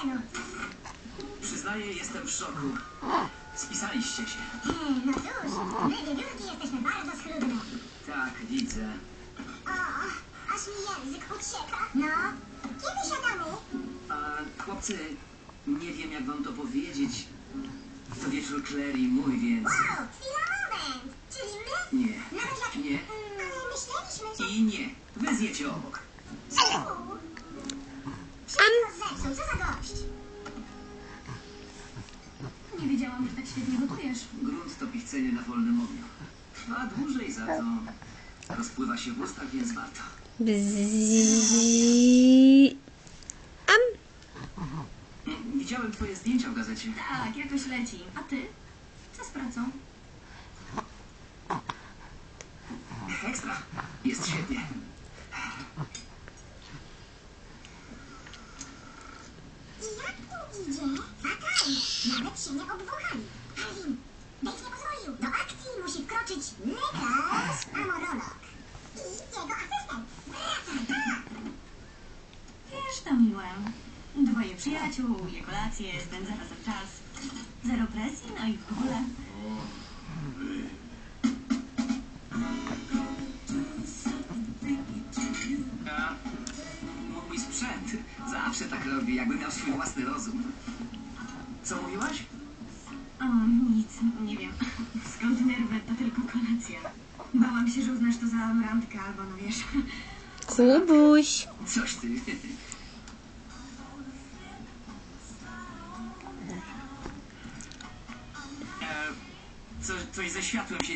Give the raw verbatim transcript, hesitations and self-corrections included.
terenu. Przyznaję, jestem w szoku. Spisaliście się. No cóż, my wiewiórki jesteśmy bardzo schludne. Tak, widzę. O, aż mi język ucieka. No, kiedy siadamy? A chłopcy, nie wiem jak wam to powiedzieć. To wieczór Claire i mój, więc... Wow, chwila, moment. Czyli my? Nie, Nawet jak... nie Ale myśleliśmy, że... i nie. Wy zjecie obok. Czemu? Wszystko zepsuł, co za gość? Nie wiedziałam, że tak świetnie gotujesz. Grunt to pichcenie na wolnym ogniu. Trwa dłużej, za to rozpływa się w ustach, więc warto. Bzzz. Am. Mm, Widziałem twoje zdjęcia w gazecie. Tak, jakoś leci. A ty? Co z pracą? Ekstra. Jest świetnie. I jak tu idzie? Fatalnie. Nawet się nie obwąchali. Alvin, Dave nie pozwolił. Do akcji musi wkroczyć lekarz amorolog. I jego asystent. Wracaj, tak! Wiesz, to miłe. Dwoje przyjaciół, je kolacje, spędza razem czas. Zero presji, no i w ogóle. A mój sprzęt zawsze tak robi, jakby miał swój własny rozum. Co mówiłaś? O, nic, nie wiem. Skąd nerwy, to tylko kolacja. Bałam się, że uznasz to za randkę albo, no wiesz... Kubuś. Coś ty. E, co, coś ze światłem się